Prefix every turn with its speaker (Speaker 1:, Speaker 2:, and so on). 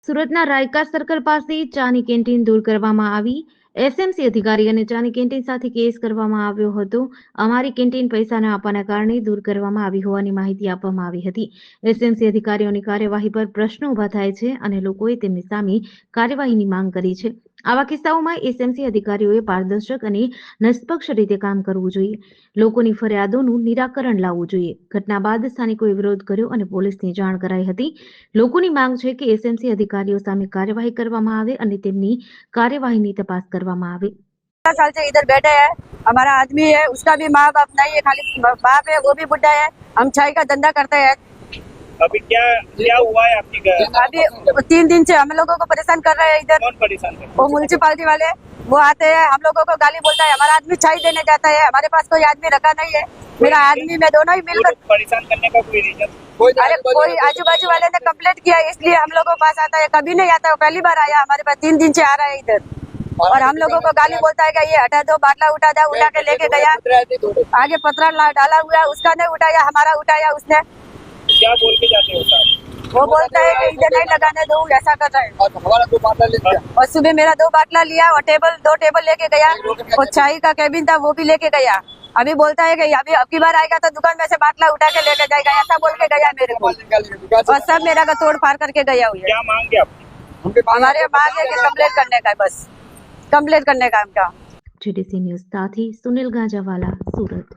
Speaker 1: સુરતના રાયકા સર્કલ પાસે ચાની કેન્ટીન દૂર કરવામાં આવી. એસએમસી અધિકારી અને ચાની કેન્ટીન સાથે કેસ કરવામાં આવ્યો હતો. અમારી કેન્ટીન પૈસા ન આપવાના કારણે દૂર કરવામાં આવી હોવાની માહિતી આપવામાં આવી હતી. એસએમસી અધિકારીઓની કાર્યવાહી પર પ્રશ્નો ઊભા થાય છે અને લોકોએ તેમની સામે કાર્યવાહીની માંગ કરી છે. આવા કિસ્સાઓમાં એસએમસી અધિકારીઓએ પારદર્શક અને નિષ્પક્ષ રીતે કામ કરવું જોઈએ. લોકોની ફરિયાદોનું નિરાકરણ લાવવું જોઈએ. ઘટના બાદ સ્થાનિકોએ વિરોધ કર્યો અને પોલીસને જાણ કરાઈ હતી. લોકોની માંગ છે કે એસએમસી અધિકારીઓ સામે કાર્યવાही કરવામાં આવે અને તેમની કાર્यवाही तपास કરવામાં આવે.
Speaker 2: साल से इधर बैठे हैं, हमारा आदमी है, उसका भी माँ बाप नहीं है, खाली बाप है, वो भी बुढ़ा है। हम चाय का धंधा करते हैं।
Speaker 3: अभी क्या क्या हुआ है आपकी घर?
Speaker 2: अभी 3 दिन से हम लोगों को परेशान कर रहे हैं इधर।
Speaker 3: कौन परेशान कर?
Speaker 2: वो म्युनिसिपालिटी वाले, वो आते हैं, हम लोगों को गाली बोलता है। हमारा आदमी चाय देने जाता है, हमारे पास कोई आदमी रखा नहीं है। मेरा आदमी मैं दोनों ही मिलकर
Speaker 3: परेशान करने का कोई रीजन?
Speaker 2: अरे कोई आजू बाजू वाले ने कंप्लेंट किया, इसलिए हम लोगों के पास आता है। कभी नहीं आता है, पहली बार आया हमारे पास। 3 दिन से आ रहा है इधर और हम लोगों को गाली बोलता है कि ये हटा दो, बाटला उठा दो, उठा के लेके गया। आगे पत्थर डाला हुआ है, उसका नहीं उठाया, हमारा उठाया उसने।
Speaker 3: क्या बोल के जाते हो साहब?
Speaker 2: वो बोलता है कि इधर नहीं लगाने दो, ऐसा कर रहा है।
Speaker 4: और हमारा 2 बाटला ले लिया
Speaker 2: और सुबह मेरा 2 बाटला लिया और 2 टेबल लेके गया और चाय का कैबिन था वो भी लेके गया। अभी बोलता है कि अभी अब की बार आएगा तो दुकान में से बाटला उठा के लेके जाएगा, ऐसा बोल के गया मेरे को। और सब मेरा का तोड़ फाड़ करके गया हुआ है।
Speaker 3: क्या मांगे आपकी?
Speaker 2: हमारे मांग है कि कंप्लेंट करने का है, बस कंप्लेंट करने का हमका।
Speaker 1: जीडीसी न्यूज़ साथी सुनील गांजावाला, सूरत।